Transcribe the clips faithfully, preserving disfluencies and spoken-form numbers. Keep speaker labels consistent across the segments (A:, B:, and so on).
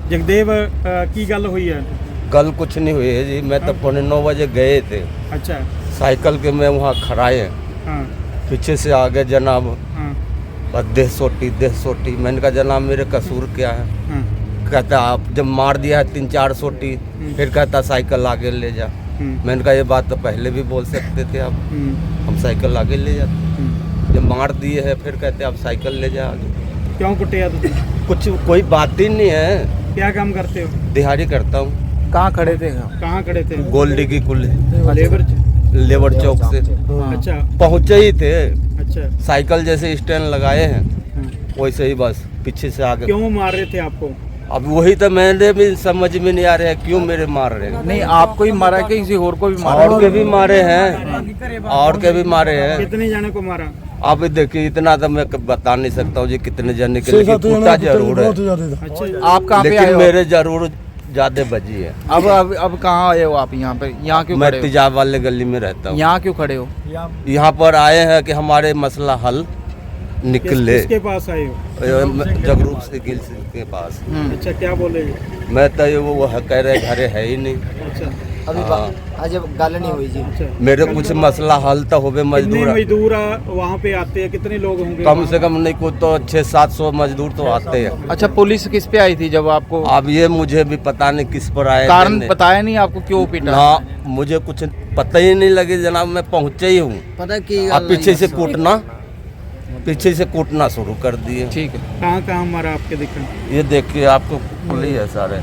A: जगदेव अ, की गल हुई है?
B: कल कुछ नहीं हुई है जी। मैं तो पौने नौ बजे गए थे,
A: अच्छा।
B: साइकिल के मैं वहाँ खड़ाए,
A: हाँ
B: पीछे से आ गए जनाब,
A: हाँ
B: बस देह सोटी देह सोटी। मैंने कहा जनाब मेरे कसूर क्या है?
A: हाँ।
B: कहता आप जब मार दिया है तीन चार सोटी, फिर कहता साइकिल आगे ले जा।
A: हम्म,
B: मैंने कहा ये बात तो पहले भी बोल सकते थे आप,
A: हम्म,
B: हम साइकिल आगे ले जाते।
A: हम्म।
B: जब मार दिए है फिर कहते आप साइकिल ले जा आगे।
A: क्यों कुटिया तुम?
B: कुछ कोई बात ही नहीं है।
A: क्या काम करते हो?
B: दिहाड़ी करता हूँ।
C: कहाँ खड़े थे?
A: कहाँ खड़े थे?
B: गोल्डी की कुल
A: लेबर च-
B: लेबर चौक से
A: अच्छा
B: पहुँचे ही थे।
A: अच्छा।
B: साइकिल जैसे स्टैंड लगाए हैं
A: हाँ।
B: वैसे ही बस पीछे से आगे।
A: क्यों मार रहे थे आपको?
B: अब वही तो मैंने भी समझ में नहीं आ रहा है क्यों मेरे मार रहे हैं।
C: नहीं, आपको ही मारा कि किसी और को भी मारा?
B: और के भी मारे हैं, और के भी मारे हैं।
A: कितने जाने को मारा?
B: आप देखिए इतना तो मैं बता नहीं सकता हूँ जी कितने जने के, लेकिन कुत्ता जरूर है।
A: अच्छा।
C: आप कहाँ पे आए
B: लेकिन
C: हो?
B: मेरे जरूर ज्यादा बजी है।
C: अब अब अब कहाँ आए हो आप? यहाँ पे यहाँ क्यों
B: मैं
C: खड़े हो?
B: तेजाब वाले गली में रहता हूँ।
C: यहाँ क्यों खड़े हो?
B: यहाँ पर आए हैं कि हमारे मसला हल
A: किस,
B: निकले।
A: किसके पास आए हो?
B: जगरूप से गिल सिंह के पास।
C: हम्म।
A: अच्छा, क्या बोले?
B: मैं तो ये वो वो कह रहे घरे है ही नहीं।
A: अच्छा
D: अभी
B: हाँ।
D: आज गल नहीं हुई जी।
A: अच्छा।
B: मेरे कुछ मसला हल तो होवे
A: कितने
B: मजदूर।
A: मजदूर आ- वहाँ पे आते हैं? कितने लोग होंगे?
B: कम से कम नहीं को तो छः सात सौ मजदूर तो आते हैं।
C: अच्छा, पुलिस किस पे आई थी जब आपको?
B: अब ये मुझे भी पता नहीं किस पर आए।
C: कारण
B: देने।
C: बताया नहीं आपको क्यों पीटा?
B: ना मुझे कुछ पता ही नहीं लगे जनाब, मैं पहुँचे ही हूँ।
D: पता की
B: आप पीछे से कूटना पीछे से कूटना शुरू कर दिए।
C: ठीक है।
A: कहाँ कहाँ मारा आपके दिखा?
B: ये देखिए आपको खुली है सारे।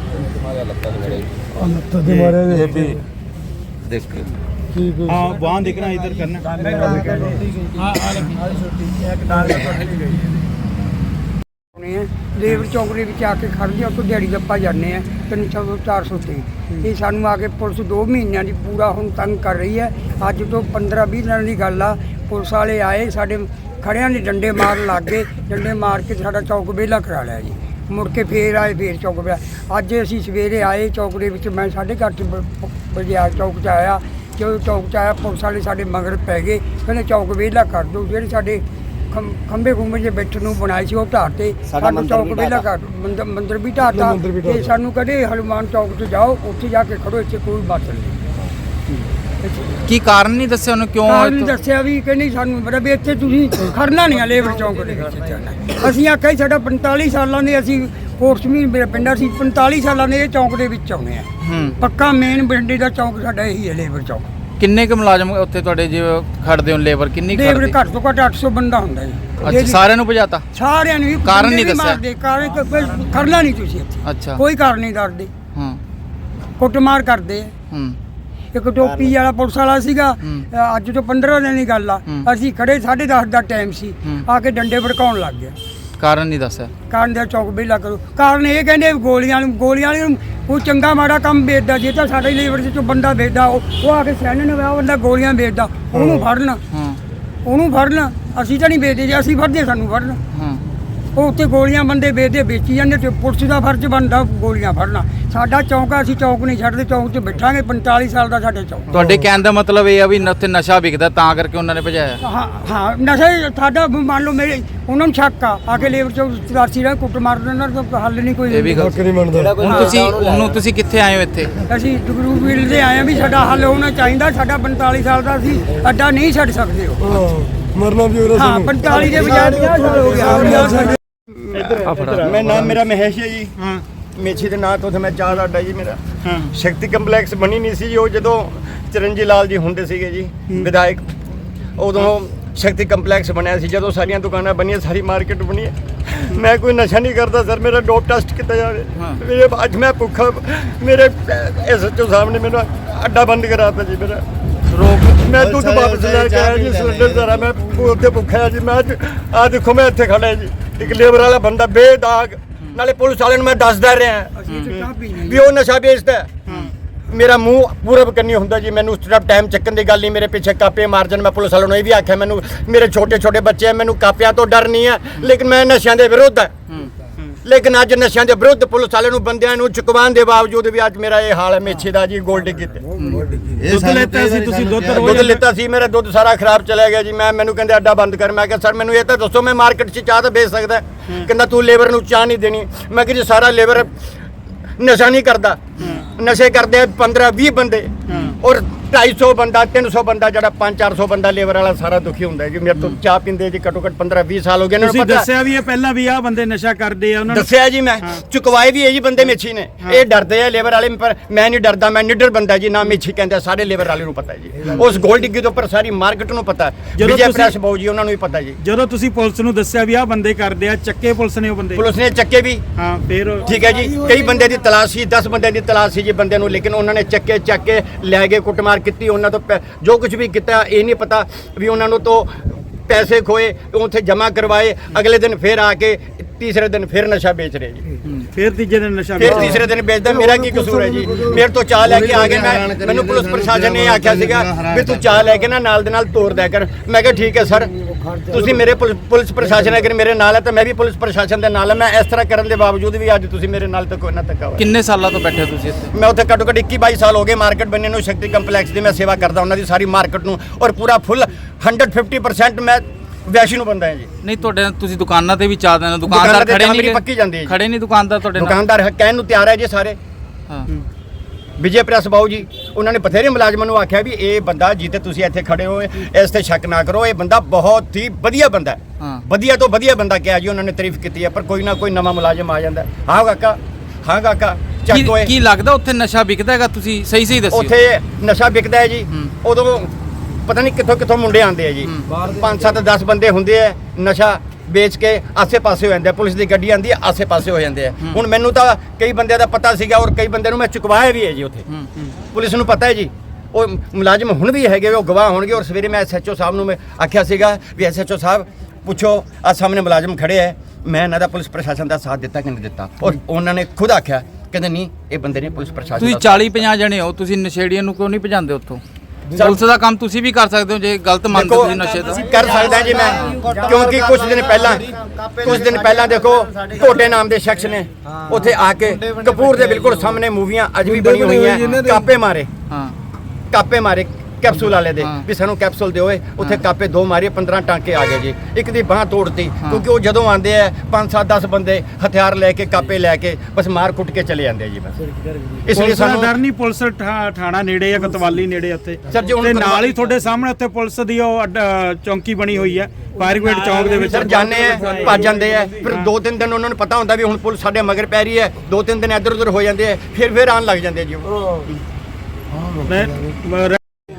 B: ये भी देखिए।
A: हाँ, वहाँ दिखना, इधर करना।
E: ਲੇਬਰ ਚੌਂਕ ਦੇ ਵਿੱਚ ਆ ਕੇ ਖੜ੍ਹਦੇ ਉੱਥੋਂ ਦਿਹਾੜੀ ਦੱਪਾ ਜਾਂਦੇ ਆ ਤਿੰਨ ਸੌ ਚਾਰ ਸੌ ਤੇ ਇਹ ਸਾਨੂੰ ਆ ਕੇ ਪੁਲਿਸ ਦੋ ਮਹੀਨਿਆਂ ਦੀ ਪੂਰਾ ਹੁਣ ਤੰਗ ਕਰ ਰਹੀ ਹੈ। ਅੱਜ ਤੋਂ ਪੰਦਰਾਂ ਵੀਹ ਦਿਨਾਂ ਦੀ ਗੱਲ ਆ, ਪੁਲਿਸ ਵਾਲੇ ਆਏ ਸਾਡੇ ਖੜਿਆਂ ਦੇ ਡੰਡੇ ਮਾਰਨ ਲੱਗ ਗਏ। ਡੰਡੇ ਮਾਰ ਕੇ ਸਾਡਾ ਚੌਕ ਵਿਹਲਾ ਕਰਾ ਲਿਆ ਜੀ। ਮੁੜ ਕੇ ਫੇਰ ਆਏ, ਫੇਰ ਚੌਕ ਵਿਹਲਾ। ਅੱਜ ਅਸੀਂ ਸਵੇਰੇ ਆਏ ਚੌਕ ਦੇ ਵਿੱਚ, ਮੈਂ ਸਾਢੇ ਕੁ ਅੱਠ ਵਜੇ ਆ ਚੌਕ 'ਚ ਆਇਆ। ਜਦੋਂ ਚੌਕ 'ਚ ਆਇਆ ਪੁਲਿਸ ਵਾਲੇ ਸਾਡੇ ਮਗਰ ਪੈ ਗਏ, ਕਹਿੰਦੇ ਚੌਕ ਵਿਹਲਾ ਕਰ ਦਿਓ। ਜਿਹੜੇ ਸਾਡੇ ਖੰ- ਖੰਭੇ ਖੁੰਭੇ ਜੇ ਬੈਠਣ ਨੂੰ ਬਣਾਏ ਸੀ ਉਹ ਢਾਹ ਤੇ ਸਾਨੂੰ ਚੌਕ ਵਿਹਲਾ ਕਰ ਮੰਦਰ ਮੰਦਰ ਵੀ ਢਾਹਤਾ ਤੇ ਸਾਨੂੰ ਕਹਿੰਦੇ ਹਨੂਮਾਨ ਚੌਕ 'ਚ ਜਾਓ, ਉੱਥੇ ਜਾ ਕੇ ਖੜੋ, ਇੱਥੇ ਕੋਈ ਬਾਤ ਨਹੀਂ।
C: ਕੀ ਕਾਰਨ ਨਹੀਂ ਦੱਸਿਆ ਉਹਨੂੰ ਕਿਉਂ?
E: ਕਾਰਨ
C: ਇੱਥੋਂ-
E: ਦੱਸਿਆ ਵੀ ਕਹਿੰਦੀ ਸਾਨੂੰ ਬੜਾ ਵੀ ਇੱਥੇ ਤੁਸੀਂ ਖੜਨਾ ਨਹੀਂ ਆ ਲੇਬਰ ਚੌਂਕ ਦੇ ਵਿੱਚ ਜਾਣਾ। ਅਸੀਂ ਆਖਿਆ ਸੀ ਸਾਡਾ ਪੰਤਾਲੀ ਸਾਲਾਂ ਦੇ ਅਸੀਂ ਕੋਰਸ ਵੀ ਮੇਰਾ ਪਿੰਡ ਸੀ, ਪੰਤਾਲੀ ਸਾਲਾਂ ਦੇ ਇਹ ਚੌਂਕ ਦੇ ਵਿੱਚ ਆਉਣੇ ਆ।
C: ਹੂੰ।
E: ਪੱਕਾ ਮੇਨ ਬਿੰਡੇ ਦਾ ਚੌਂਕ ਸਾਡਾ ਇਹੀ ਹੈ ਲੇਬਰ ਚੌਂਕ।
C: ਕਿੰਨੇ ਕੁ ਮੁਲਾਜ਼ਮ ਉੱਥੇ ਤੁਹਾਡੇ ਜੇ ਖੜਦੇ ਹੋ? ਲੇਬਰ ਕਿੰਨੀ
E: ਲੇਬਰ
C: ਖੜਦੀ?
E: ਘੱਟ ਤੋਂ ਘੱਟ ਅੱਠ ਸੌ ਬੰਦਾ ਹੁੰਦਾ ਜੀ।
C: ਅੱਛਾ, ਸਾਰਿਆਂ ਨੂੰ ਭਜਾਤਾ?
E: ਸਾਰਿਆਂ ਨੂੰ ਵੀ
C: ਕਾਰਨ
E: ਬੰਦੇ
C: ਨਹੀਂ
E: ਵੀ
C: ਦੱਸਿਆ?
E: ਮਾਰਦੇ, ਕਾਰਨ ਕੋਈ ਖੜਨਾ ਨਹੀਂ ਤੁਸੀਂ ਇੱਥੇ,
C: ਅੱਛਾ।
E: ਕੋਈ ਕਾਰਨ ਨਹੀਂ ਦੱਸਦੇ।
C: ਹੂੰ
E: ਕੁੱਟਮਾਰ ਕਰਦੇ ਆ।
C: ਹੂੰ
E: ਇੱਕ ਟੋਪੀ ਵਾਲਾ ਪੁਲਿਸ ਵਾਲਾ ਸੀਗਾ,
C: ਹੂੰ।
E: ਅ, ਅੱਜ ਤੋਂ ਪੰਦਰਾਂ ਦਿਨ ਦੀ ਗੱਲ ਆ।
C: ਹੂੰ।
E: ਅਸੀਂ ਖੜੇ ਸਾਢੇ ਦਸ ਦਾ ਟਾਈਮ ਸੀ,
C: ਹੂੰ।
E: ਆ ਕੇ ਡੰਡੇ ਭੜਕਾਉਣ ਲੱਗ ਗਿਆ।
C: ਕਾਰਨ ਨਹੀਂ ਦੱਸਿਆ?
E: ਕਾਰਨ ਦਾ ਚੌਕ ਵਿਹਲਾ ਕਰੋ। ਕਾਰਨ ਇਹ ਕਹਿੰਦੇ ਵੀ ਗੋਲੀਆਂ ਨੂੰ ਗੋਲੀਆਂ ਨੂੰ ਕੋਈ ਚੰਗਾ ਮਾੜਾ ਕੰਮ ਵੇਚਦਾ, ਜੇ ਤਾਂ ਸਾਡੇ ਲੇਬਰ ਦੇ ਚੋਂ ਬੰਦਾ ਵੇਚਦਾ, ਉਹ ਉਹ ਆ ਕੇ ਸਿਆਣੇ ਨੂੰ ਉਹ ਬੰਦਾ ਗੋਲੀਆਂ ਵੇਚਦਾ, ਉਹਨੂੰ ਫੜਨ,
C: ਹੂੰ
E: ਉਹਨੂੰ ਫੜਨ। ਅਸੀਂ ਤਾਂ ਨਹੀਂ ਵੇਚਦੇ, ਜੇ ਅਸੀਂ ਫੜਦੇ ਸਾਨੂੰ ਫੜਨ।
C: ਹੂੰ
E: ਉਹ ਉੱਥੇ ਗੋਲੀਆਂ ਬੰਦੇ ਵੇਚਦੇ ਵੇਚੀ ਜਾਂਦੇ, ਤੇ ਪੁਲਿਸ ਦਾ ਫਰਜ਼ ਬਣਦਾ ਗੋਲੀਆਂ ਫੜਨਾ। ਸਾਡਾ ਚੌਂਕ ਆ, ਅਸੀਂ ਚੌਂਕ ਨਹੀਂ ਛੱਡਦੇ, ਚੌਂਕ 'ਚ ਬੈਠਾਂਗੇ। ਪੰਤਾਲੀ ਸਾਲ ਦਾ ਸਾਡੇ ਚੌਂਕ।
C: ਤੁਹਾਡੇ ਕਹਿਣ ਦਾ ਮਤਲਬ ਇਹ ਆ ਵੀ ਉੱਥੇ ਨਸ਼ਾ ਵਿਕਦਾ ਤਾਂ ਕਰਕੇ ਉਹਨਾਂ ਨੇ ਭਜਾਇਆ?
E: ਹਾਂ ਹਾਂ, ਨਸ਼ਾ ਹੀ ਸਾਡਾ ਮੰਨ ਲਓ ਮੇਰੇ ਉਹਨਾਂ ਨੂੰ ਸ਼ੱਕ ਆ, ਆ ਕੇ ਲੇਬਰ ਚੌਂਕ ਚੁਰਾਸੀ ਦਾ ਕੁੱਟ ਮਾਰ ਦੇਣਾ ਤਾਂ ਹੱਲ ਨਹੀਂ ਕੋਈ।
C: ਇਹ ਵੀ ਗੱਲ ਹੁਣ ਤੁਸੀਂ ਉਹਨੂੰ ਤੁਸੀਂ ਕਿੱਥੇ ਆਏ ਹੋ ਇੱਥੇ?
E: ਅਸੀਂ ਜਗਰੂਪ ਵੀਲ ਦੇ ਆਏ ਆ ਵੀ ਸਾਡਾ ਹੱਲ ਹੋਣਾ ਚਾਹੀਦਾ। ਸਾਡਾ ਪੰਤਾਲੀ ਸਾਲ ਦਾ ਅਸੀਂ ਅੱਡਾ ਨਹੀਂ ਛੱਡ ਸਕਦੇ। ਉਹ
F: ਮਰਨਾ ਵੀ ਹੋ
E: ਹਾਂ, ਪੰਤਾਲੀ ਦੇ ਬਜਾਏ ਪੰਜਾਹ ਸਾਲ ਹੋ ਗਿਆ।
F: ਮੈਂ ਨਾਮ ਮੇਰਾ ਮਹੇਸ਼ ਹੈ ਜੀ।
A: ਹਾਂ
F: ਮੇਛੀ ਦੇ ਨਾਂ ਤੋਂ ਤੇ ਮੈਂ ਚਾਹ ਦਾ ਅੱਡਾ ਜੀ ਮੇਰਾ।
A: ਹਾਂ
F: ਸ਼ਕਤੀ ਕੰਪਲੈਕਸ ਬਣੀ ਨਹੀਂ ਸੀ ਜੀ, ਉਹ ਜਦੋਂ ਚਰਨਜੀਤ ਲਾਲ ਜੀ ਹੁੰਦੇ ਸੀਗੇ ਜੀ ਵਿਧਾਇਕ, ਉਦੋਂ ਸ਼ਕਤੀ ਕੰਪਲੈਕਸ ਬਣਿਆ ਸੀ। ਜਦੋਂ ਸਾਰੀਆਂ ਦੁਕਾਨਾਂ ਬਣੀਆਂ, ਸਾਰੀ ਮਾਰਕੀਟ ਬਣੀ ਹੈ। ਮੈਂ ਕੋਈ ਨਸ਼ਾ ਨਹੀਂ ਕਰਦਾ ਸਰ, ਮੇਰਾ ਡੋਪ ਟੈਸਟ ਕੀਤਾ ਜਾਵੇ। ਮੇਰੇ ਅੱਜ ਮੈਂ ਭੁੱਖਾ, ਮੇਰੇ ਐਸਐਚਓ ਸਾਹਿਬ ਨੇ ਮੈਨੂੰ ਅੱਡਾ ਬੰਦ ਕਰਾਤਾ ਜੀ ਮੇਰਾ।
C: ਰੋਕ
F: ਮੈਂ ਦੁੱਧ ਵਾਪਸ ਲੈ ਕੇ ਆਇਆ ਜੀ, ਸਿਲੰਡਰ ਜ਼ਰਾ ਮੈਂ ਉੱਥੇ ਭੁੱਖਿਆ ਜੀ। ਮੈਂ ਅੱਜ ਆ ਦੇਖੋ ਮੈਂ ਇੱਥੇ ਖੜਾ ਜੀ, ਇੱਕ ਲੇਬਰ ਵਾਲਾ ਬੰਦਾ ਬੇਦਾਗ, ਨਾਲੇ ਪੁਲਿਸ ਵਾਲਿਆਂ ਨੂੰ ਮੈਂ ਦੱਸਦਾ ਰਿਹਾ ਵੀ ਉਹ ਨਸ਼ਾ ਵੇਚਦਾ। ਮੇਰਾ ਮੂੰਹ ਪੂਰਾ ਕਰਨੀ ਹੁੰਦਾ ਜੀ, ਮੈਨੂੰ ਉਸ ਤਰ੍ਹਾਂ ਟਾਈਮ ਚੱਕਣ ਦੀ ਗੱਲ ਨਹੀਂ। ਮੇਰੇ ਪਿੱਛੇ ਕਾਪੇ ਮਾਰਜਨ, ਮੈਂ ਪੁਲਿਸ ਵਾਲਿਆਂ ਨੂੰ ਇਹ ਵੀ ਆਖਿਆ, ਮੈਨੂੰ ਮੇਰੇ ਛੋਟੇ ਛੋਟੇ ਬੱਚੇ ਆ, ਮੈਨੂੰ ਕਾਪਿਆਂ ਤੋਂ ਡਰ ਨਹੀਂ ਹੈ, ਲੇਕਿਨ ਮੈਂ ਨਸ਼ਿਆਂ ਦੇ ਵਿਰੁੱਧ ਹੈ। ਲੇਕਿਨ ਅੱਜ ਨਸ਼ਿਆਂ ਦੇ ਵਿਰੁੱਧ ਪੁਲਿਸ ਵਾਲਿਆਂ ਨੂੰ ਬੰਦਿਆਂ ਨੂੰ ਚੁਕਵਾਉਣ ਦੇ ਬਾਵਜੂਦ ਵੀ ਅੱਜ ਮੇਰਾ ਇਹ ਹਾਲ ਹੈ ਮੇਛੇ ਦਾ ਜੀ। ਗੋਲਡੀ ਕੀਤੇ
A: ਦੁੱਧ ਲੈਤਾ ਸੀ ਤੁਸੀਂ? ਦੁੱਧ
F: ਦੁੱਧ ਲਿੱਤਾ ਸੀ, ਮੇਰਾ ਦੁੱਧ ਸਾਰਾ ਖਰਾਬ ਚਲਾ ਗਿਆ ਜੀ। ਮੈਂ ਮੈਨੂੰ ਕਹਿੰਦੇ ਅੱਡਾ ਬੰਦ ਕਰ। ਮੈਂ ਕਿਹਾ ਸਰ ਮੈਨੂੰ ਇਹ ਤਾਂ ਦੱਸੋ, ਮੈਂ ਮਾਰਕੀਟ 'ਚ ਚਾਹ ਤਾਂ ਵੇਚ ਸਕਦਾ। ਕਹਿੰਦਾ ਤੂੰ ਲੇਬਰ ਨੂੰ ਚਾਹ ਨਹੀਂ ਦੇਣੀ। ਮੈਂ ਕਿਹਾ ਜੀ ਸਾਰਾ ਲੇਬਰ ਨਸ਼ਾ ਨਹੀਂ ਕਰਦਾ ਨਸ਼ੇ ਕਰਦੇ ਪੰਦਰਾਂ ਵੀਹ ਬੰਦੇ ਔਰ ਢਾਈ ਸੌ ਬੰਦਾ ਤਿੰਨ ਸੌ ਬੰਦਾ ਜਿਹੜਾ ਪੰਜ ਚਾਰ ਸੌ ਬੰਦਾ ਲੇਬਰ ਵਾਲਾ ਸਾਰਾ ਦੁਖੀ ਹੁੰਦਾ ਹੈ ਜੀ। ਮੇਰੇ ਤੋਂ ਚਾਹ ਪੀਂਦੇ ਜੀ ਘੱਟੋ ਘੱਟ ਪੰਦਰਾਂ ਵੀਹ ਸਾਲ ਹੋ ਗਏ ਇਹਨਾਂ
A: ਤੁਸੀਂ
F: ਨੂੰ ਪਤਾ
A: ਦੱਸਿਆ ਵੀ ਇਹ ਪਹਿਲਾਂ ਵੀ ਆਹ ਬੰਦੇ ਨਸ਼ਾ ਕਰਦੇ ਆ ਉਹਨਾਂ ਨੂੰ
F: ਦੱਸਿਆ ਜੀ ਮੈਂ ਚੁਕਵਾਏ ਵੀ ਇਹ ਜੀ ਬੰਦੇ ਮੇਛੀ ਨੇ ਇਹ ਡਰਦੇ ਆ ਲੇਬਰ ਵਾਲੇ ਪਰ ਮੈਂ ਨਹੀਂ ਡਰਦਾ ਮੈਂ ਨਿਡਰ ਬੰਦਾ ਜੀ ਨਾ ਮੇਛੀ ਕਹਿੰਦੇ ਸਾਰੇ ਲੇਬਰ ਵਾਲੇ ਨੂੰ ਪਤਾ ਜੀ ਉਸ ਗੋਲ ਡਿੱਗੀ ਦੇ ਉੱਪਰ ਸਾਰੀ ਮਾਰਕੀਟ ਨੂੰ ਪਤਾ
A: ਜਦੋਂ
F: ਵਿਜੇ
A: ਤੁਸੀਂ-
F: ਪ੍ਰੈਸ ਬਾਊ ਜੀ ਉਹਨਾਂ ਨੂੰ ਵੀ ਪਤਾ ਜੀ।
A: ਜਦੋਂ ਤੁਸੀਂ ਪੁਲਿਸ ਨੂੰ ਦੱਸਿਆ ਵੀ ਆਹ ਬੰਦੇ ਕਰਦੇ ਆ ਚੱਕੇ ਪੁਲਿਸ ਨੇ ਉਹ ਬੰਦੇ
F: ਪੁਲਿਸ ਨੇ ਚੱਕੇ ਵੀ
A: ਹਾਂ ਫਿਰ
F: ਠੀਕ ਹੈ ਜੀ ਕਈ ਬੰਦੇ ਦੀ ਤਲਾਸ਼ ਸੀ ਦਸ ਬੰਦੇ ਦੀ ਤਲਾਸ਼ ਸੀ ਜੀ ਬੰਦੇ ਨੂੰ ਲੇਕਿਨ ਉਹਨਾਂ ਨੇ ਚੱਕੇ ਚੱਕ ਕੇ ਲੈ ਗਏ ਕੁੱਟਮਾਰ ਕੀਤੀ ਉਹਨਾਂ ਤੋਂ ਪੈ- ਜੋ ਕੁਝ ਵੀ ਕੀਤਾ ਇਹ ਨਹੀਂ ਪਤਾ ਵੀ ਉਹਨਾਂ ਨੂੰ ਤੋਂ ਪੈਸੇ ਖੋਏ ਉੱਥੇ ਜਮ੍ਹਾਂ ਕਰਵਾਏ ਅਗਲੇ ਦਿਨ ਫਿਰ ਆ ਕੇ ਤੀਸਰੇ ਦਿਨ ਫਿਰ ਨਸ਼ਾ ਵੇਚ ਰਹੇ ਜੀ
A: ਫਿਰ ਤੀਜੇ ਦਿਨ ਨਸ਼ਾ
F: ਫਿਰ ਤੀਸਰੇ ਦਿਨ ਵੇਚਦਾ ਮੇਰਾ ਕੀ ਕਸੂਰ ਹੈ ਜੀ ਮੇਰੇ ਤੋਂ ਚਾਹ ਲੈ ਕੇ ਆ ਗਏ ਮੈਂ ਮੈਨੂੰ ਪੁਲਿਸ ਪ੍ਰਸ਼ਾਸਨ ਨੇ ਆਖਿਆ ਸੀਗਾ ਵੀ ਤੂੰ ਚਾਹ ਲੈ ਕੇ ਨਾ ਨਾਲ ਦੇ ਨਾਲ ਤੋਰ ਦਿਆ ਕਰ ਮੈਂ ਕਿਹਾ ਠੀਕ ਹੈ ਸਰ ਤੁਸੀਂ ਮੇਰੇ ਪੁਲਿਸ ਪੁਲਿਸ ਪ੍ਰਸ਼ਾਸਨ ਅਗਰ ਮੇਰੇ ਨਾਲ ਹੈ ਤਾਂ ਮੈਂ ਵੀ ਪੁਲਿਸ ਪ੍ਰਸ਼ਾਸਨ ਦੇ ਨਾਲ ਹਾਂ ਮੈਂ ਇਸ ਤਰ੍ਹਾਂ ਕਰਨ ਦੇ ਬਾਵਜੂਦ ਵੀ ਅੱਜ ਤੁਸੀਂ ਮੇਰੇ ਨਾਲ ਤਾਂ ਕੋਈ ਨਾ ਧੱਕਾ ਹੋਇਆ
C: ਕਿੰਨੇ ਸਾਲਾਂ ਤੋਂ ਬੈਠੇ ਹੋ ਤੁਸੀਂ ਇੱਥੇ
F: ਮੈਂ ਉੱਥੇ ਘੱਟੋ ਘੱਟ ਇੱਕੀ ਬਾਈ ਸਾਲ ਹੋ ਗਏ ਮਾਰਕੀਟ ਬੰਨੇ ਨੂੰ ਸ਼ਕਤੀ ਕੰਪਲੈਕਸ ਦੀ ਮੈਂ ਸੇਵਾ ਕਰਦਾ ਉਹਨਾਂ ਦੀ ਸਾਰੀ ਮਾਰਕੀਟ ਨੂੰ ਔਰ ਪੂਰਾ ਫੁੱਲ ਇੱਕ ਸੌ ਪਚਾਸ ਪਰਸੈਂਟ ਮੈਂ ਵੈਸ਼ੀ ਨੂੰ ਬੰਦਾ ਹੈ ਜੀ
C: ਨਹੀਂ ਤੁਹਾਡੇ ਨਾਲ ਤੁਸੀਂ ਦੁਕਾਨਾਂ ਤੇ ਵੀ ਚਾਹ ਦੇਣਾ
F: ਦੁਕਾਨਾਂ
C: ਦੁਕਾਨਦਾਰ
F: ਤੇ
C: ਖੜੇ
F: ਚਾਹ ਮੇਰੀ
C: ਨਹੀਂ
F: ਪੱਕੀ ਜਾਂਦੀ ਹੈ ਜੀ।
C: ਖੜੇ ਨਹੀਂ ਦੁਕਾਨਦਾਰ ਤੁਹਾਡੇ ਨਾਲ
F: ਦੁਕਾਨਦਾਰ ਕਹਿਣ ਨੂੰ ਤਿਆਰ ਹੈ ਜੀ ਸਾਰੇ
C: ਹਾਂ
F: ਵਿਜੇ ਪ੍ਰੈਸ ਬਾਊ ਜੀ ਉਹਨਾਂ ਨੇ ਬਥੇਰੇ ਮੁਲਾਜ਼ਮਾਂ ਨੂੰ ਆਖਿਆ ਵੀ ਇਹ ਬੰਦਾ ਜਿੱਤੇ ਤੁਸੀਂ ਇੱਥੇ ਖੜੇ ਹੋ ਇਸ ਤੇ ਸ਼ੱਕ ਨਾ ਕਰੋ ਇਹ ਬੰਦਾ ਬਹੁਤ ਹੀ ਵਧੀਆ ਬੰਦਾ ਹੈ
C: ਹਾਂ।
F: ਵਧੀਆ ਤੋਂ ਵਧੀਆ ਬੰਦਾ ਕਿਹਾ ਜੀ ਉਹਨਾਂ ਨੇ ਤਾਰੀਫ ਕੀਤੀ ਹੈ ਪਰ ਕੋਈ ਨਾ ਕੋਈ ਨਵਾਂ ਮੁਲਾਜ਼ਮ ਆ ਜਾਂਦਾ ਹੈ। ਹਾਂ ਕਾਕਾ ਹਾਂ ਕਾਕਾ
C: ਕੀ
F: ਚੱਕ ਓਏ
C: ਕੀ ਲੱਗਦਾ ਉੱਥੇ ਨਸ਼ਾ ਵਿਕਦਾ ਹੈਗਾ ਤੁਸੀਂ ਸਹੀ ਸਹੀ ਦੱਸਿਓ
F: ਉੱਥੇ ਨਸ਼ਾ ਵਿਕਦਾ ਹੈ ਜੀ
C: ਹੂੰ।
F: ਉਦੋਂ ਪਤਾ ਨਹੀਂ ਕਿੱਥੋਂ ਕਿੱਥੋਂ ਮੁੰਡੇ ਆਉਂਦੇ ਆ ਜੀ ਪੰਜ ਸੱਤ ਦਸ ਬੰਦੇ ਹੁੰਦੇ ਆ ਨਸ਼ਾ ਵੇਚ ਕੇ ਆਸੇ-ਪਾਸੇ ਹੋ ਜਾਂਦੇ ਆ ਪੁਲਿਸ ਦੀ ਗੱਡੀ ਆਂਦੀ ਹੈ ਆਸੇ-ਪਾਸੇ ਹੋ ਜਾਂਦੇ ਆ ਹੁਣ ਮੈਨੂੰ ਤਾਂ ਕਈ ਬੰਦਿਆਂ ਦਾ ਪਤਾ ਸੀਗਾ ਔਰ ਕਈ ਬੰਦਿਆਂ ਨੂੰ ਮੈਂ ਚੁਕਵਾਇਆ ਵੀ ਹੈ ਜੀ ਉੱਥੇ
C: ਹੂੰ, ਹੂੰ।
F: ਪੁਲਿਸ ਨੂੰ ਪਤਾ ਹੈ ਜੀ ਉਹ ਮੁਲਾਜ਼ਮ ਹੁਣ ਵੀ ਹੈਗੇ ਉਹ ਗਵਾਹ ਹੋਣਗੇ ਔਰ ਸਵੇਰੇ ਮੈਂ ਐਸਐਚਓ ਸਾਹਿਬ ਨੂੰ ਮੈਂ ਆਖਿਆ ਸੀਗਾ ਵੀ ਐਸਐਚਓ ਸਾਹਿਬ ਪੁੱਛੋ ਆ ਸਾਹਮਣੇ ਮੁਲਾਜ਼ਮ ਖੜੇ ਹੈ ਮੈਂ ਇਹਨਾਂ ਦਾ ਪੁਲਿਸ ਪ੍ਰਸ਼ਾਸਨ ਦਾ ਸਾਥ ਦਿੱਤਾ ਕਿ ਨਹੀਂ ਦਿੱਤਾ ਔਰ ਉਹਨਾਂ ਨੇ ਖੁਦ ਆਖਿਆ ਕਹਿੰਦੇ ਨਹੀਂ ਇਹ ਬੰਦੇ ਨੇ ਪੁਲਿਸ ਪ੍ਰਸ਼ਾਸਨ
C: ਤੁਸੀਂ
F: ਦਾ
C: ਚਾਲੀ ਪੰਜਾਹ ਜਣੇ ਹੋ ਤੁਸੀਂ ਨਸ਼ੇੜੀਆਂ ਨੂੰ ਕਿਉਂ ਨਹੀਂ ਭਜਾਉਂਦੇ ਉੱਥੋਂ ਪੁਲਿਸ ਦਾ ਕੰਮ ਤੁਸੀਂ ਵੀ ਕਰ ਸਕਦੇ ਹੋ ਜੇ ਗਲਤ ਮੰਨਦੇ
F: ਦੇਖੋ
C: ਤੁਸੀਂ ਨਸ਼ੇ ਦਾ
F: ਕਰ ਸਕਦਾ ਜੀ ਮੈਂ ਕਿਉਂਕਿ ਕੁਝ ਦਿਨ ਪਹਿਲਾਂ ਕੁਝ ਦਿਨ ਪਹਿਲਾਂ ਦੇਖੋ ਢੋਟੇ ਨਾਮ ਦੇ ਸ਼ਖਸ ਨੇ ਉੱਥੇ ਆ ਕੇ ਕਪੂਰ ਦੇ ਬਿਲਕੁਲ ਸਾਹਮਣੇ ਮੂਵੀਆਂ ਅੱਜ ਵੀ ਬਣੀ ਹੋਈਆਂ ਕਾਪੇ ਮਾਰੇ
C: ਹਾਂ
F: ਕਾਪੇ ਮਾਰੇ ਕੈਪਸੂਲ ਵਾਲੇ ਦੇ
C: ਹਾਂ।
F: ਵੀ ਸਾਨੂੰ ਕੈਪਸੂਲ ਦਿਓ ਏ ਉੱਥੇ ਕਾਪੇ ਦੋ ਮਾਰੇ ਪੰਦਰਾਂ ਟਾਂਕੇ ਆ ਗਏ ਜੀ ਇੱਕ ਦੀ ਬਾਹ ਤੋੜਤੀ ਕਿਉਂਕਿ ਉਹ ਜਦੋਂ ਆਉਂਦੇ ਆ ਪੰਜ ਸੱਤ ਦਸ ਬੰਦੇ ਹਥਿਆਰ ਲੈ ਕੇ ਕਾਪੇ ਲੈ ਕੇ ਬਸ ਮਾਰ ਕੁੱਟ ਕੇ ਚਲੇ ਜਾਂਦੇ ਆ ਜੀ ਬਸ ਇਸ ਲਈ
A: ਪੁਲਿਸ ਦਾ ਡਰ
F: ਸਾਨੂੰ
A: ਨਹੀਂ ਪੁਲਿਸ ਠਾ- ਥਾਣਾ ਨੇੜੇ ਆ ਕਤਵਾਲੀ ਨੇੜੇ ਆ ਉੱਥੇ
F: ਸਰ, ਜੇ ਹੁਣ
A: ਤੇ
F: ਕਤਵਾ-
A: ਨਾਲ ਹੀ ਤੁਹਾਡੇ ਸਾਹਮਣੇ ਉੱਥੇ ਪੁਲਿਸ ਦੀ ਉਹ ਅੱਡ- ਚੌਂਕੀ ਬਣੀ ਹੋਈ ਹੈ ਫਾਇਰ ਬ੍ਰਿਗੇਡ ਚੌਂਕ ਦੇ ਵਿੱਚ
F: ਸਰ ਜਾਣੇ ਆ ਭੱਜ ਜਾਂਦੇ ਆ ਫਿਰ ਦੋ ਤਿੰਨ ਦਿਨ ਉਹਨਾਂ ਨੂੰ ਪਤਾ ਹੁੰਦਾ ਵੀ ਹੁਣ ਪੁਲਿਸ ਸਾਡੇ ਮਗਰ ਪੈ ਰਹੀ ਹੈ ਦੋ ਤਿੰਨ ਦਿਨ ਇੱਧਰ ਉੱਧਰ ਹੋ ਜਾਂਦੇ ਆ ਫਿਰ ਫਿਰ ਆਉਣ ਲੱਗ ਜਾਂਦੇ ਆ ਜੀ ਉਹ।
A: ਮੈਂ- ਮੈਂ-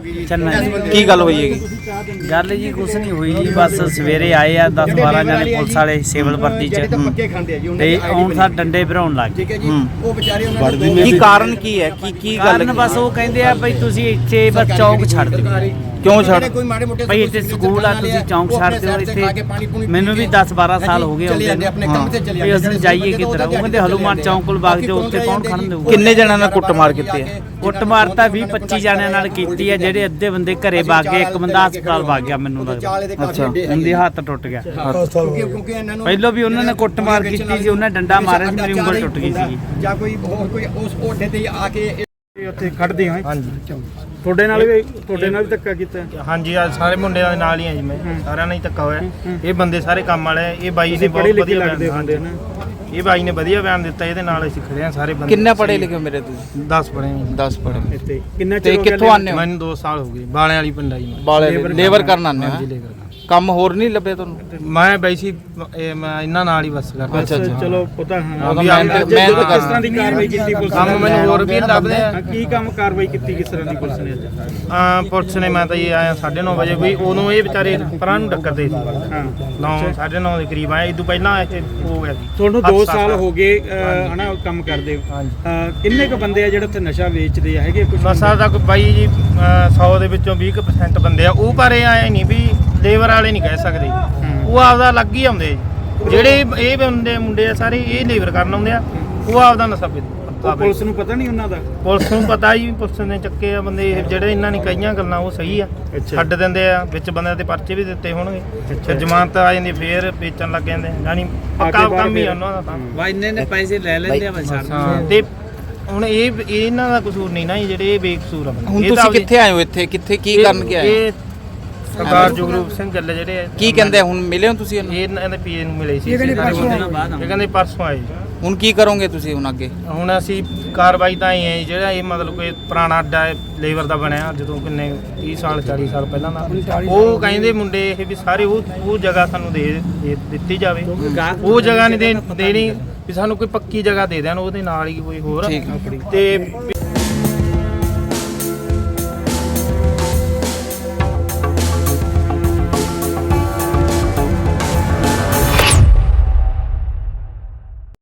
C: ਕੀ ਗੱਲ ਹੋਈ ਹੈਗੀ
D: ਗੱਲ ਜੀ ਕੁਛ ਨਹੀਂ ਹੋਈ ਜੀ ਬਸ ਸਵੇਰੇ ਆਏ ਆ ਦਸ ਬਾਰਾਂ ਜਣੇ ਪੁਲਿਸ ਵਾਲੇ ਸਿਵਲ ਵਰਦੀ ਚ
F: ਪੱਕੇ ਖਾਂਦੇ ਆ ਜੀ
D: ਤੇ ਆਉਣ ਸਾਰ ਡੰਡੇ ਭਰਾਉਣ ਲੱਗ ਗਏ
F: ਠੀਕ ਹੈ ਜੀ ਉਹ ਵਿਚਾਰੇ ਉਹਨਾਂ ਦੇ
C: ਕੀ ਕਾਰਨ ਕੀ ਹੈ ਕੀ ਕੀ ਗੱਲ
D: ਕਾਰਨ ਬਸ ਉਹ ਕਹਿੰਦੇ ਆ ਬਈ ਤੁਸੀਂ ਇੱਥੇ ਬਸ ਚੌਂਕ ਛੱਡ ਦਿਓ
C: ਕਿਉਂ ਛੱਡ
F: ਕੋਈ ਮਾੜੇ ਮੋਟੇ
D: ਬਈ ਇੱਥੇ ਸਕੂਲ ਆ ਤੁਸੀਂ ਚੌਂਕ ਛੱਡ ਦਿਓ ਇੱਥੇ ਮੈਨੂੰ ਵੀ ਦਸ ਬਾਰਾਂ ਸਾਲ ਹੋ ਗਏ
F: ਚਲੇ ਜਾਂਦੇ ਆਪਣੇ ਕੰਮ ਤੇ ਚਲੇ
D: ਵੀ ਅਸੀਂ ਜਾਈਏ ਕਿੱਧਰ ਉਹ ਕਹਿੰਦੇ ਹਲੂਮਾਨ ਚੌਂਕ ਕੋਲ ਵਗ ਜਾਓ ਉੱਥੇ ਕੌਣ ਖੜਨ ਦੇਊਗਾ
C: ਕਿੰਨੇ ਜਣਾਂ ਨਾਲ ਕੁੱਟਮਾਰ ਕੀਤੀ ਹੈ
D: ਕੁੱਟਮਾਰ ਤਾਂ ਵੀਹ ਪੱਚੀ ਜਣਿਆਂ ਨਾਲ ਕੀਤੀ ਹੈ ਜਿਹੜੇ ਅੱਧੇ ਬੰਦੇ ਘਰੇ ਵਗ ਗਏ ਇੱਕ ਬੰਦਾ ਹਸਪਤਾਲ ਵਗ ਗਿਆ ਮੈਨੂੰ ਲੱਗਦਾ
C: ਅੱਛਾ
D: ਉਹਦੀ ਹੱਥ ਟੁੱਟ ਗਿਆ
F: ਕਿਉਂਕਿ ਇਹਨਾਂ ਨੂੰ
D: ਪਹਿਲਾਂ ਵੀ ਉਹਨਾਂ ਨੇ ਕੁੱਟਮਾਰ ਕੀਤੀ ਸੀ ਉਹਨਾਂ ਡੰਡਾ ਮਾਰਿਆ ਸੀ ਮੇਰੀ ਉਂਗਲ ਟੁੱਟ ਗਈ ਸੀ
F: ਜਾਂ ਕੋਈ ਹੋਰ ਕੋਈ ਉਸ ਓਡੇ ਤੇ ਆ ਕੇ
A: ਇਹ ਉੱਥੇ ਖੜਦੇ ਹਾਂ
G: ਹਾਂਜੀ
A: ਤੁਹਾਡੇ ਨਾਲ ਵੀ ਤੁਹਾਡੇ ਨਾਲ ਵੀ ਧੱਕਾ ਕੀਤਾ ਹੈ?
G: ਹਾਂਜੀ ਆ ਸਾਰੇ ਮੁੰਡਿਆਂ ਦੇ ਨਾਲ ਹੀ ਆ ਜੀ ਮੈਂ ਸਾਰਿਆਂ ਨਾਲ ਹੀ ਧੱਕਾ ਹੋਇਆ ਇਹ ਬੰਦੇ ਸਾਰੇ ਕੰਮ ਵਾਲੇ ਆ। ਇਹ ਬਾਈ ਨੇ
A: ਤੁਸੀਂ
G: ਬਹੁਤ
A: ਪੜ੍ਹੇ ਲਿਖੇ
G: ਵਧੀਆ
A: ਲੱਗਦੇ
G: ਬਿਆਨ
A: ਹੁੰਦੇ ਨਾ
G: ਇਹ ਬਾਈ ਨੇ ਵਧੀਆ ਬਿਆਨ ਦਿੱਤਾ ਇਹਦੇ ਨਾਲ ਅਸੀਂ ਖੜੇ ਆ ਸਾਰੇ ਬੰਦੇ
C: ਕਿੰਨੇ ਪੜ੍ਹੇ ਲਿਖੇ ਹੋ ਮੇਰੇ ਤੁਸੀਂ
G: ਦਸ ਪੜ੍ਹੇ ਆ ਜੀ।
C: ਦਸ ਪੜ੍ਹੇ
A: ਇੱਥੇ ਕਿੰਨਾ
C: ਤੇ
A: ਚਿਰ ਹੋ ਗਿਆ
C: ਕਿੱਥੋਂ ਆਨੇ ਹੋ
G: ਮੈਨੂੰ ਦੋ ਸਾਲ ਹੋ ਗਏ ਬਾਲਿਆਂ ਵਾਲੀ ਪਿੰਡ ਆ ਜੀ ਮੈਂ
C: ਬਾਲੇ ਲੇਬਰ ਕਰਨ ਆਨੇ
G: ਹਾਂਜੀ
C: ਹੋ
G: ਲੇਬਰ ਕਰਨ।
C: ਕੰਮ ਹੋਰ ਨਹੀਂ ਲੱਭੇ ਤੁਹਾਨੂੰ
G: ਮੈਂ ਬਾਈ ਸੀ ਇਹ ਮੈਂ ਇਹਨਾਂ ਨਾਲ ਹੀ ਬਸ ਕਰਦਾ
C: ਅੱਛਾ, ਅੱਛਾ।
A: ਚਲੋ ਪਤਾ ਹਾਂ
C: ਉਹਦਾ
A: ਵੀ
C: ਮਿਹਨਤ-
A: ਅੱਜ
C: ਮਿਹਨਤ
A: ਕਿਸ
C: ਕਰਨਾ।
A: ਤਰ੍ਹਾਂ ਦੀ ਕਾਰਵਾਈ ਕੀਤੀ ਪੁਲਿਸ
G: ਕੰਮ
A: ਨੇ
G: ਮੈਨੂੰ ਹੋਰ ਵੀ ਲੱਭਦੇ ਆ
A: ਹਾਂ, ਕੀ ਕੰਮ ਕਾਰਵਾਈ ਕੀਤੀ ਕਿਸ ਤਰ੍ਹਾਂ ਦੀ ਪੁਲਿਸ ਨੇ ਅੱਜ
G: ਆ ਪੁਲਿਸ ਨੇ ਮੈਂ ਤਾਂ ਇਹ ਆਇਆ ਸਾਢੇ ਨੌ ਵਜੇ ਵੀ ਉਦੋਂ ਇਹ ਵਿਚਾਰੇ ਪਰਾਂ ਨੂੰ ਟੱਕਰਦੇ ਸੀ
A: ਹਾਂ
G: ਨੌ ਸਾਢੇ ਨੌ ਦੇ ਕਰੀਬ ਆਏ ਇਦੋਂ ਪਹਿਲਾਂ ਇੱਥੇ ਹੋ ਗਿਆ ਸੀ
A: ਤੁਹਾਨੂੰ
G: ਹੱਥ
A: ਦੋ
G: ਸਾਫ਼
A: ਸਾਲ
G: ਕਰ-
A: ਹੋ ਗਏ ਅਹ, ਹਨਾ ਕੰਮ ਕਰਦੇ ਹੋ
G: ਹਾਂਜੀ।
A: ਅਹ, ਕਿੰਨੇ ਕੁ ਬੰਦੇ ਆ ਜਿਹੜੇ ਉੱਥੇ ਨਸ਼ਾ ਵੇਚਦੇ ਆ ਹੈਗੇ ਕੁਝ
G: ਨਸ਼ਾ ਦਾ ਕੋਈ ਬਾਈ ਜੀ ਸੌ ਦੇ ਵਿੱਚੋਂ ਵੀਹ ਕੁ percent ਬੰਦੇ ਆ ਉਹ ਪਰ ਇਹ ਆਏ ਨਹੀਂ ਵੀ ਲੇਬਰ ਵਾਲੇ ਨਹੀਂ ਕਹਿ ਸਕਦੇ ਉਹ ਆਪਦਾ ਅਲੱਗ ਹੀ ਆਉਂਦੇ ਜੀ। ਜਿਹੜੇ ਇਹ ਬੰਦੇ ਮੁੰਡੇ ਆ ਸਾਰੇ ਇਹ ਲੇਬਰ ਕਰਨ ਆਉਂਦੇ ਆ ਉਹ ਆਪਦਾ ਨਸ਼ਾ ਵੇਚਦੇ
A: ਉਹ ਪੁਲਿਸ ਨੂੰ ਪਤਾ ਨਹੀਂ ਉਹਨਾਂ ਦਾ
G: ਪੁਲਿਸ ਨੂੰ ਪਤਾ ਜੀ ਪੁਲਿਸ ਨੇ ਚੱਕੇ ਆ ਬੰਦੇ ਇਹ ਜਿਹੜੇ ਇਹਨਾਂ ਨੇ ਕਈਆਂ ਗੱਲਾਂ ਉਹ ਸਹੀ ਆ
A: ਅੱਛਾ।
G: ਛੱਡ ਦਿੰਦੇ ਆ ਵਿੱਚ ਬੰਦਿਆਂ ਤੇ ਪਰਚੇ ਵੀ ਦਿੱਤੇ ਹੋਣਗੇ ਫਿਰ ਜ਼ਮਾਨਤ ਆ ਜਾਂਦੀ ਫੇਰ ਵੇਚਣ ਲੱਗ ਜਾਂਦੇ ਯਾਨੀ ਪੱਕਾ
A: ਬਾਅਦ
G: ਕੰਮ ਹੀ
A: ਫਿਰ-
G: ਆ ਉਹਨਾਂ ਦਾ ਤਾਂ
D: ਵਾ ਇੰਨੇ ਨੇ ਪੈਸੇ ਲੈ ਲੈਂਦੇ ਆ ਬਸ
G: ਹਾਂ ਤੇ ਹੁਣ ਇਹ ਇਹ ਇਹਨਾਂ ਦਾ ਕਸੂਰ ਨਹੀਂ ਨਾ ਜੀ, ਜਿਹੜੇ ਇਹ ਬੇਕਸੂਰ ਆ ਬੰਦੇ।
C: ਹੁਣ
G: ਇਹ ਤਾਂ
C: ਤੁਸੀਂ
G: ਆਪਦੀ-
C: ਕਿੱਥੇ ਆਏ ਹੋ ਇੱਥੇ ਕਿੱਥੇ ਕੀ ਕਰਨ ਕੇ ਆਏ ਹੋ?
G: ਇਹ ਸਰਦਾਰ ਜਗਰੂਪ ਸਿੰਘ ਗੱਲ ਜਿਹੜੇ ਆ,
C: ਕੀ ਕਹਿੰਦੇ ਆ? ਹੁਣ ਮਿਲੇ ਹੋ ਤੁਸੀਂ ਇਹਨੂੰ?
G: ਇਹ ਇਹਨਾਂ ਦੇ ਪੀਏ ਨੂੰ ਮਿਲੇ ਸੀ
E: ਇਹ ਕਹਿੰਦੇ
G: ਸਾਰੇ
E: ਪਰਸੋਂ
G: ਬੰਦੇ। ਇਹ ਕਹਿੰਦੇ ਪਰਸੋਂ ਆਏ ਜੀ।
C: ਹੁਣ ਕੀ ਕਰੋਗੇ ਤੁਸੀਂ ਹੁਣ ਅੱਗੇ?
G: ਹੁਣ ਅਸੀਂ ਕਾਰਵਾਈ ਤਾਂ ਹੀ ਹੈ ਜੀ, ਜਿਹੜਾ ਇਹ ਮਤਲਬ ਕੋਈ ਪੁਰਾਣਾ ਅੱਡਾ ਲੇਬਰ ਦਾ ਬਣਿਆ ਜਦੋਂ ਕਿੰਨੇ ਤੀਹ ਸਾਲ ਚਾਲੀ ਸਾਲ ਪਹਿਲਾਂ ਦਾ, ਉਹ ਕਹਿੰਦੇ ਮੁੰਡੇ ਇਹ ਵੀ ਸਾਰੇ ਉਹ ਉਹ ਜਗ੍ਹਾ ਸਾਨੂੰ ਦੇ ਦੇ ਦਿੱਤੀ ਜਾਵੇ। ਉਹ ਜਗ੍ਹਾ ਨਹੀਂ ਦੇ ਦੇਣੀ ਵੀ ਸਾਨੂੰ ਕੋਈ ਪੱਕੀ ਜਗ੍ਹਾ ਦੇ ਦੇਣ ਉਹਦੇ ਨਾਲ ਹੀ ਕੋਈ ਹੋਰ
C: ਠੀਕ ਹੈ।
G: ਤੇ